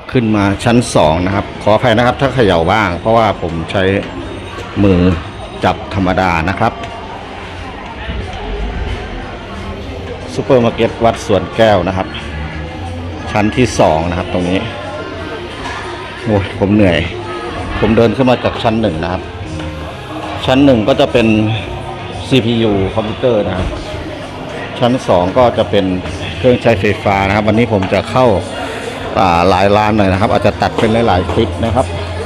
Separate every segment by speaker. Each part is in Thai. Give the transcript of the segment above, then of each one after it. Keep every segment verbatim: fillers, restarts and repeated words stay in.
Speaker 1: ขึ้นมาชั้นสองนะครับขออภัยนะครับถ้าเขย่าบ้างเพราะว่าผมใช้มือจับธรรมดานะครับซูเปอร์มาร์เก็ตวัดสวนแก้วนะครับชั้นที่สองนะครับตรงนี้โอ้ยผมเหนื่อยผมเดินขึ้นมาจากชั้นหนึ่งนะครับชั้นหนึ่งก็จะเป็น ซี พี ยู คอมพิวเตอร์นะครับชั้นสองก็จะเป็นเครื่องใช้ไฟฟ้านะครับวันนี้ผมจะเข้าหลายร้านหน่อยนะครับอาจจะตัดเป็นหลายๆคลิปนะครับ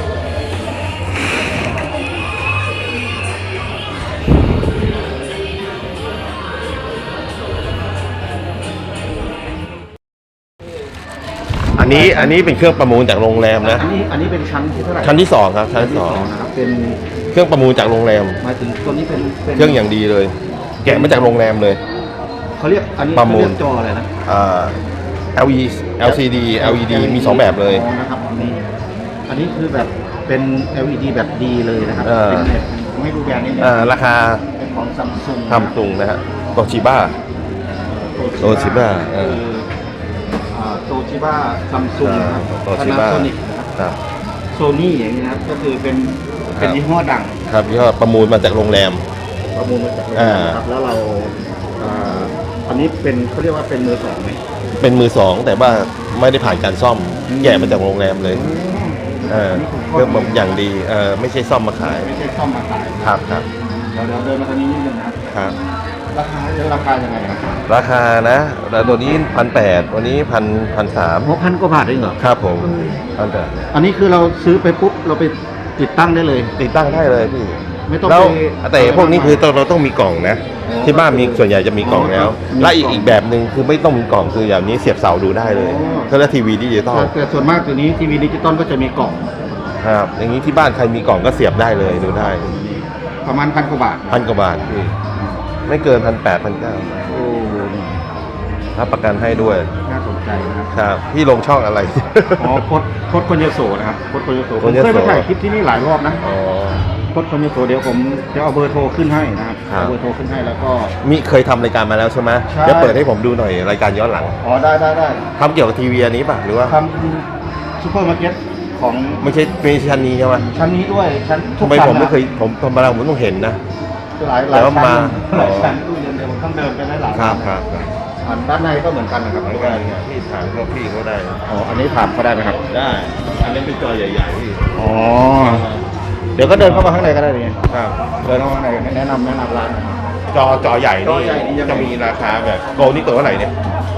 Speaker 2: อันนี้อันนี้เป็นเครื่องประมูลจากโรงแรมนะ
Speaker 1: อันนี้อันนี้เป็นชั้นที่เท่าไหร่
Speaker 2: ชั้นที่สองครับชั้นที่สอง
Speaker 1: นะครับเป็น
Speaker 2: เครื่องประมูลจากโรงแรม
Speaker 1: หมายถึงตัวนี้เป็น
Speaker 2: เครื่องอย่างดีเลยแกะมาจากโรงแรมเลย
Speaker 1: เขาเรียกอันนี้
Speaker 2: ประมูล
Speaker 1: จออะไรนะ
Speaker 2: อ่า แอล อี ดี แอล ซี ดี แอล อี ดี มีสองแบบเลย
Speaker 1: นะครับอันนี้อันนี้คือแบบเป็น แอล อี ดี แบบดีเลยนะครับเป็นแบบไม่รู้แบรนด์นี้
Speaker 2: อ่าราคา
Speaker 1: เป็นของซัมซุง
Speaker 2: ซัมซุงนะฮะโตชิบ้าโตชิบ้าเออ
Speaker 1: โตชิบ้าซัมซุง
Speaker 2: โตชิบ้า
Speaker 1: นะครับโซนี่อย่างนี้นะครับก็คือเป็นเป็นยี่ห้อดัง
Speaker 2: ครับยี่ห้อประมูลมาจากโรงแรม
Speaker 1: ประมูลมาจากโรงแรมครับแล้วเราอันนี้เป็นเขาเรียกว่าเป็นมือสองไหม
Speaker 2: เป็นมือสองแต่ว่าไม่ได้ผ่านการซ่อมแกะมาจากโรงแรมเลยเออเครื่องอย่างดีเออไม่ใช่ซ่อมมาขาย
Speaker 1: ไม่ใช่ซ่อมมาขาย
Speaker 2: ครับครับ
Speaker 1: เดี๋ยวเดินมาตรงนี้นิดนึงนะครับราคาราคายังไงครับ
Speaker 2: ราคานะแล้วตัวนี้พันแปดวันนี้พันพันสาม
Speaker 1: หกพันกว่าบาทเองเหรอ
Speaker 2: ครับผมพันแปด
Speaker 1: อันนี้คือเราซื้อไปปุ๊บเราไปติดตั้งได้เลย
Speaker 2: ติดตั้งได้เลยพี่
Speaker 1: ไม่ต้อง
Speaker 2: แล้วแต่พวกนี้คือเราต้องมีกล่องนะที่บ้านมีส่วนใหญ่จะมีกล่องแล้วและอีกอีกแบบหนึ่งคือไม่ต้องมีกล่องคืออย่างนี้เสียบเสาดูได้เลยก็แล้วทีวีดิจิตอล
Speaker 1: แต่ส่วนมากตัวนี้ทีวีดิจิตอลก็จะมีกล่อง
Speaker 2: ครับอย่างนี้ที่บ้านใครมีกล่องก็เสียบได้เลยดูได้
Speaker 1: ประมาณพันกว่าบาท
Speaker 2: พันกว่าบาทพี่ไม่เกินพันแปดพันเก้า
Speaker 1: โอ้
Speaker 2: รับประกันให้ด้วย
Speaker 1: น่าสนใจนะครับ
Speaker 2: ครับพี่ลงช่องอะไร
Speaker 1: อ๋อโคดโคดคนยโสนะครับโคดคนยโสผมเคยไปถ่ายคลิปที่นี่หลายรอบนะ
Speaker 2: อ๋อ
Speaker 1: โคดคนยโสเดี๋ยวผมจะเอาเบอร์โทรขึ้นให้นะครับเอาเบอร์โทรขึ้นให้แล้วก็
Speaker 2: มีเคยทำรายการมาแล้วใช่ไหมเดี๋ยวเปิดให้ผมดูหน่อยรายการย้อนหลัง
Speaker 1: อ๋อได้ได้ได้
Speaker 2: ทำเกี่ยวกับทีวีอันนี้ป่ะหรือว่า
Speaker 1: ทำซูเปอร์มาร์เก็ตของ
Speaker 2: ไม่ใช่ไม่ใช่ชั้นนี้ใช่ไหม
Speaker 1: ชั้นนี้ด้วยชั้น
Speaker 2: ทำไมผมไม่เคยผมธรรมดาผมต้องเห็นนะ
Speaker 1: หลายหลายชั้นหลายชั้นตู้เย็นเดี๋ยวผมต้องเดินไปได้หลาย
Speaker 2: ครับครับ
Speaker 1: อันด้านในก็เหมือนกันนะครับ
Speaker 2: เหมือนกันพี่ถามเขาพี่เขาได้
Speaker 1: อ๋ออันนี้ถามเขาได้ไหมครับ
Speaker 2: ได้อันนี้เป็นจอใหญ่ๆพี่
Speaker 1: อ๋อเดี๋ยวก็เดินเข้ามาข้างในก็ได้เลยครับเดินเข้ามาข้างในแนะนำแนะนำร้านนะครับ
Speaker 2: จอจอใหญ่นี่จะมีราคาแบบโกลนี่ตัวเท่าไหร่เนี่ย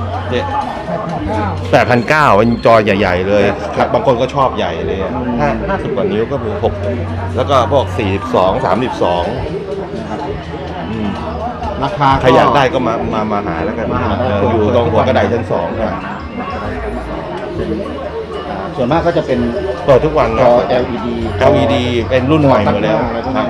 Speaker 2: แปดพันเก้าเป็นจอใหญ่ๆเลยบางคนก็ชอบใหญ่เลยห้าห้าสิบกว่านิ้วก็มีหกแล้วก็พวกสี่สิบสองสามสิบสอง
Speaker 1: ราคา
Speaker 2: ใครอยากได้ก็มามามาหาแล้วกันอยู่ตรงหัวกระไดชั้นสองครับ
Speaker 1: ส่วนมากก็จะเป็น
Speaker 2: เปิดทุกวัน
Speaker 1: จอ แอล อี ดี
Speaker 2: แอล อี ดี เป็นรุ่นใหม่หมดแล้วครับ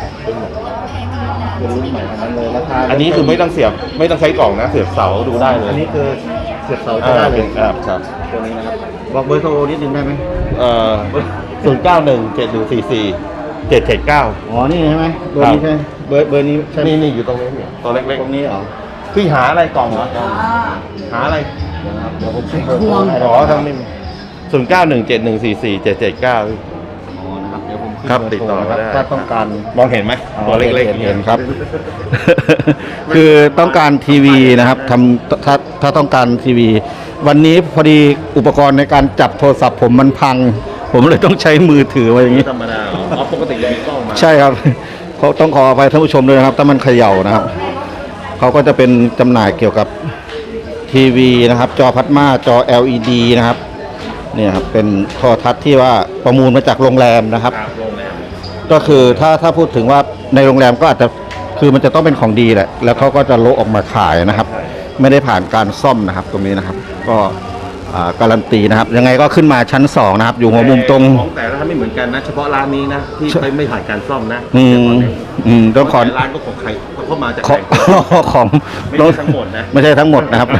Speaker 1: เป็นรุ่นใหม่ทั้งนั้นเลยราคา
Speaker 2: อันนี้คือไม่ต้องเสียบไม่ต้องใช้กล่องนะเสียบเสาดูได้เลย
Speaker 1: อันนี้คือเสียบเสาได้เลย
Speaker 2: ครับครับ
Speaker 1: ตัวนี้นะครับบอกเบอร์โทรนิดนึงได้ไหม
Speaker 2: เอ่อศูนย์เก้าหนึ่งเจ็ดหนึ่งสี่สี่เจ็ดเจ็ดเก้า
Speaker 1: อ๋อนี่ใช่ไหมเบอร์นี้ใช่เบอร์เบอร์นี้ใช่
Speaker 2: นี่นี่อยู่ตรงนี้เนี่ยตัวเล็ก
Speaker 1: ๆตรงนี้เหรอ
Speaker 2: พี่หาอะไรกล่องเหรอหาอะไร
Speaker 1: เดี๋ยวผมใช้
Speaker 2: ควงอ๋อทั้งนี้ศูนย์เก้าหนึ่งเจ็ดหนึ่งสี่สี่เจ็ดเจ็ดเก้า
Speaker 1: อ๋อนะครับเดี๋ยวผม
Speaker 2: ครับติดต่อได้
Speaker 1: ถ้าต้องการ
Speaker 2: มองเห็นไหมตัวเล็กๆ
Speaker 1: เห็นครับคือต้องการทีวีนะครับทำถ้าถ้าต้องการทีวีวันนี้พอดีอุปกรณ์ในการจับโทรศัพท์ผมมันพังผมเลยต้องใช้มือถือไว้อย่างนี้
Speaker 2: ธรรมดาอ๋อปกติจะมีกล้องมา
Speaker 1: ใช่ครับเขาต้องขออภัยท่านผู้ชมด้วยนะครับถ้ามันเขย่านะครับเขาก็จะเป็นจำหน่ายเกี่ยวกับทีวีนะครับจอพลาสมาจอ แอล อี ดี นะครับเนี่ยครับเป็นโทรทัศน์ที่ว่าประมูลมาจากโรงแรมนะครับก็คือถ้าถ้าพูดถึงว่าในโรงแรมก็อาจจะคือมันจะต้องเป็นของดีแหละแล้วเขาก็จะโละออกมาขายนะครับไม่ได้ผ่านการซ่อมนะครับตรงนี้นะครับก็การันตีนะครับยังไงก็ขึ้นมาชั้นสองนะครับอยู่หัวมุมตรง
Speaker 2: ของแต่ละร้านไม่เหมือนกันนะเฉพาะร้านนี้นะที่ไม่ผ่านการซ่อมนะ
Speaker 1: อืมอืมต้องขอ
Speaker 2: ร้านก็ของใครเข้ามาจาก
Speaker 1: ของ
Speaker 2: ไม่ใช่ทั้งหมดนะ
Speaker 1: ไม่ใช่ทั้งหมดนะครับ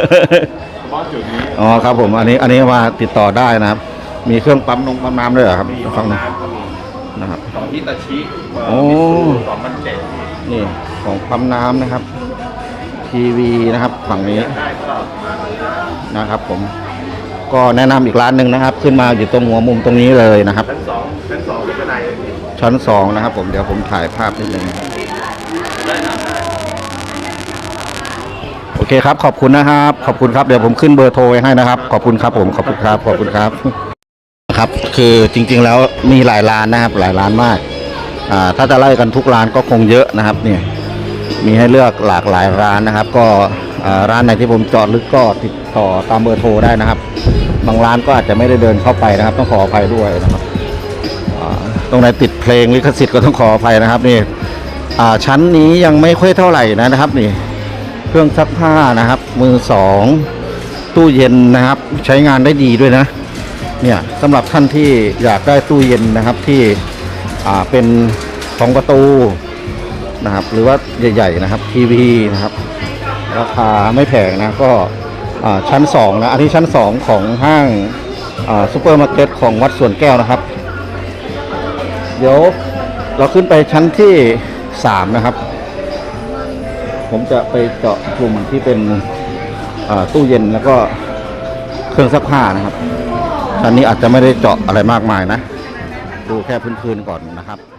Speaker 1: อ๋อครับผมอันนี้อันนี้มาติดต่อได้นะครับมีเครื่องปั๊มนงปั๊มน้ำด้วยเหรอครับฟังนะครับ
Speaker 2: ของฮิตาชิ
Speaker 1: โอ้
Speaker 2: สองพันเจ็ด
Speaker 1: นี่ของปั๊มน้ำนะครับทีวีนะครับฝั่งนี้นะครับผมก็แนะนำอีกร้านหนึ่งนะครับ ขึ้นมาอยู่ตรงหัวมุมตรงนี้เลยนะครับ
Speaker 2: ชั้นสองชั้นสองเป็นบันได
Speaker 1: ชั้นสองนะครับ ผมเดี๋ยวผมถ่ายภาพนิดนึงโอเคครับ ขอบคุณนะครับ ขอบคุณครับเดี๋ยวผมขึ้นเบอร์โทรไว้ให้นะครับ ขอบคุณครับผมขอบคุณครับขอบคุณครับครับ คือจริงๆแล้วมีหลายร้านนะครับ หลายร้านมากอ่าถ้าจะไล่กันทุกร้านก็คงเยอะนะครับเนี่ยมีให้เลือกหลากหลายร้านนะครับ ก็อ่าร้านไหนที่ผมเจาะลึกก็ติดต่อตามเบอร์โทรได้นะครับ บางร้านก็อาจจะไม่ได้เดินเข้าไปนะครับ ต้องขออภัยด้วยนะครับอ่าตรงไหนติดเพลงลิขสิทธิ์ก็ต้องขออภัยนะครับนี่อ่าชั้นนี้ยังไม่ค่อยเท่าไหร่นะครับนี่เครื่องซักผ้านะครับ มือสองตู้เย็นนะครับ ใช้งานได้ดีด้วยนะเนี่ยสำหรับท่านที่อยากได้ตู้เย็นนะครับที่อ่าเป็นสองประตูนะครับ หรือว่าใหญ่ๆนะครับทีวีนะครับราคาไม่แพงนะก็อ่าชั้นสองนะอันนี้ชั้นสองของห้างอ่าซูเปอร์มาร์เก็ตของวัดสวนแก้วนะครับ เดี๋ยวเราขึ้นไปชั้นที่สามนะครับ ผมจะไปเจาะกลุ่มที่เป็นอ่าตู้เย็นแล้วก็เครื่องซักผ้านะครับชั้นนี้อาจจะไม่ได้เจาะอะไรมากมายนะ ดูแค่พื้นๆก่อนนะครับ